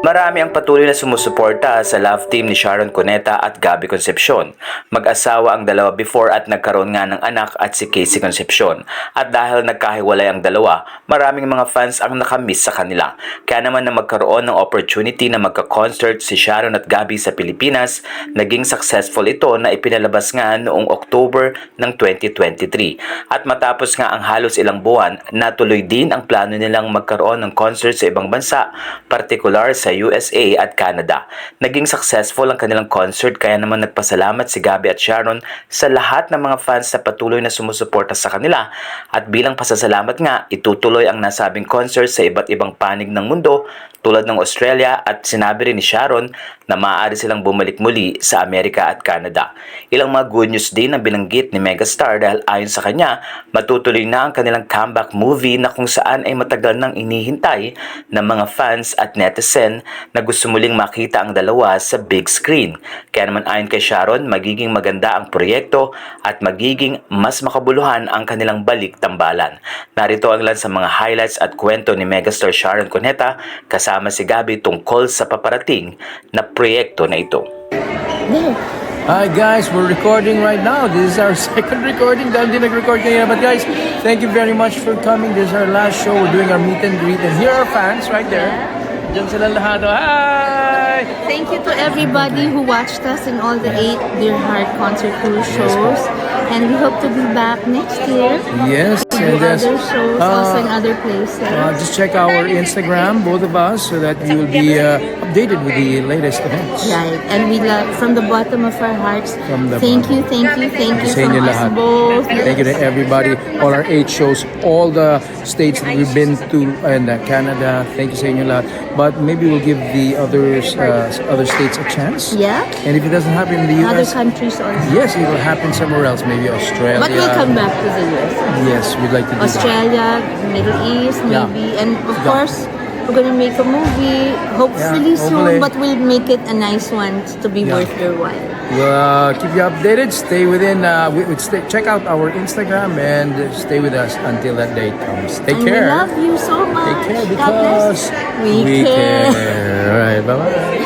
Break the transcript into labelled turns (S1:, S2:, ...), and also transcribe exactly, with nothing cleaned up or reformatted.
S1: Marami ang patuloy na sumusuporta sa love team ni Sharon Cuneta at Gabby Concepcion. Mag-asawa ang dalawa before at nagkaroon nga ng anak at si Casey Concepcion. At dahil nagkahiwalay ang dalawa, maraming mga fans ang nakamiss sa kanila. Kaya naman na magkaroon ng opportunity na magka-concert si Sharon at Gabby sa Pilipinas, naging successful ito na ipinalabas nga noong October ng twenty twenty-three. At matapos nga ang halos ilang buwan, natuloy din ang plano nilang magkaroon ng concert sa ibang bansa, partikular sa U S A at Canada. Naging successful ang kanilang concert kaya naman nagpasalamat si Gabby at Sharon sa lahat ng mga fans na patuloy na sumusuporta sa kanila at bilang pasasalamat nga itutuloy ang nasabing concert sa iba't ibang panig ng mundo tulad ng Australia at sinabi rin ni Sharon na maaari silang bumalik muli sa Amerika at Canada. Ilang mga good news din na binanggit ni Megastar dahil ayon sa kanya, matutuloy na ang kanilang comeback movie na kung saan ay matagal nang inihintay ng mga fans at netizen na gusto muling makita ang dalawa sa big screen. Kaya naman ayon kay Sharon, magiging maganda ang proyekto at magiging mas makabuluhan ang kanilang balik tambalan. Narito ang ilan sa mga highlights at kwento ni Megastar Sharon Cuneta kasama si Gabby tungkol sa paparating na proyekto na ito.
S2: Hi guys, we're recording right now. This is our second recording. Dahil din nag-record kanina. But guys, thank you very much for coming. This is our last show. We're doing our meet and greet. And here are fans right there. Diyan sila lahat. Hi!
S3: Thank you to everybody who watched us in all the eight Dear Heart concert tour shows. And we hope to be back next year.
S2: Yes.
S3: To do
S2: And yes,
S3: other shows,
S2: uh,
S3: also in other places.
S2: Uh, just check our Instagram, both of us, so that you will be uh, updated with the latest events.
S3: Right. And we love, from the bottom of our hearts,
S2: From the
S3: thank you, thank you, thank you
S2: Sa inyo
S3: from us
S2: lahat.
S3: both.
S2: Thank you to everybody, all our eight shows, all the states that we've been to, and uh, Canada. Thank you sa inyo lahat. But maybe we'll give the others, uh, other states a chance.
S3: Yeah.
S2: And if it doesn't happen in the U
S3: Other
S2: S,
S3: countries also.
S2: yes, it will happen somewhere else, maybe Australia.
S3: But we'll come back to the U S.
S2: Yes, we'd like to do that.
S3: Australia, Middle East,
S2: Yeah.
S3: maybe. And of
S2: Yeah.
S3: course, we're gonna make a movie, hopefully
S2: Yeah,
S3: soon,
S2: hopefully.
S3: but we'll make it a nice one to be
S2: Yeah.
S3: worth your while.
S2: We'll uh, keep you updated. Stay within. Uh, we, we stay, check out our Instagram and stay with us until that day comes. Take
S3: and
S2: care.
S3: we love you so much.
S2: Take care
S3: God bless.
S2: because
S3: we,
S2: we
S3: care.
S2: care. All right. Bye bye.